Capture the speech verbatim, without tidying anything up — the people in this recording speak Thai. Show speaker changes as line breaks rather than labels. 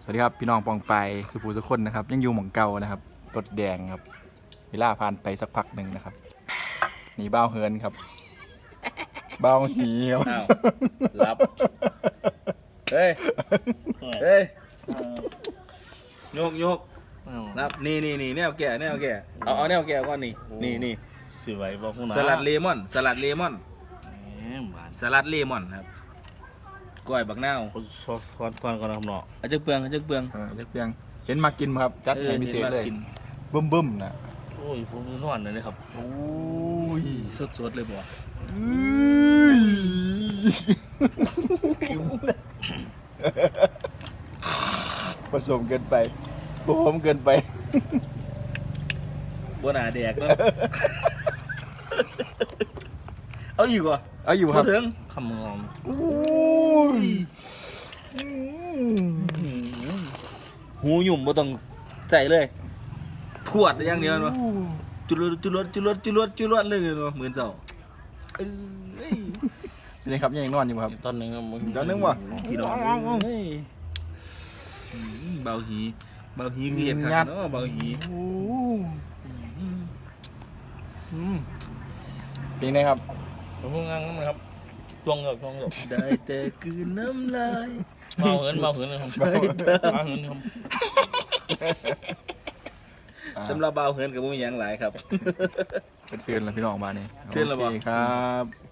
วัสดีครับพี่น้องปองไปสุภูสุคนนะครับยังอยู่หม่องเก่านะครับรถแดงครับเวลาผ่านไปสักพักหนึ่งนะครับหนีบ้าวเฮินครับบ้าวหีครับ
อ้าวรับเฮ้ยเฮ้ยโยกโยกรับนี่นี่นี่แนวแก่แนวแก่เอาเอาแนวแก่ก่อนนี่นี่นี่
สิไว้บอกคุณนะ
สลัดเลมอนสลัดเลมอน
แหมหวาน
สลัดเลมอนครับกล้วยบักนาว
คนซอสคอนคอนก่อนนะครับเนาะ
อาจจะเปลืองอาจจะเปลือง
เออเล็กเพียงเห็นมากินครับจัดให้พิเศษเลย
กิน
บึ้มบึ้มๆนะ
โอ้ยผมนอนเลยนะครับ
โอ้ย
สดสดๆเลยบ่
อื้อผสมเกินไปผสมเกินไป
บ่น่าแดกเนาะเอาอีกว่ะ
เอาอยู่ครับ
บ่ถึง
คำงอม
โอ้ย
หูหยุ่มบ่ต้องใจเลยพวดอย่างเดียวเนาะจุลดจุลดจุลดจุลดจุลดเลยเนาะเหมือนเจ้าเอ้ย
นี่ครับยังนอนอยู่ครับ
ตอนหนึงครับมึง
ตอนหนึ่งวะ
พี่น้องเฮ้ยอืมเบาหีเบาหีคือเห็ดขันเนาะเบาหี
โอ้
อืม
อืมเป็นไงครับ
ผมงานนะครับช่วงเดียวช่วงเดียว
ได้แต่คืนน้ำลาย
เมาเหินเมาเหินนะครับ
ใส่ตา
เมาเหินครับ
สำหรับเบาเหินกับมุ้งยังหลายครับ
เป็นเสือนแล้วพี่น้องมาเนี่ย
เสือนแล้วบ่
โคครับ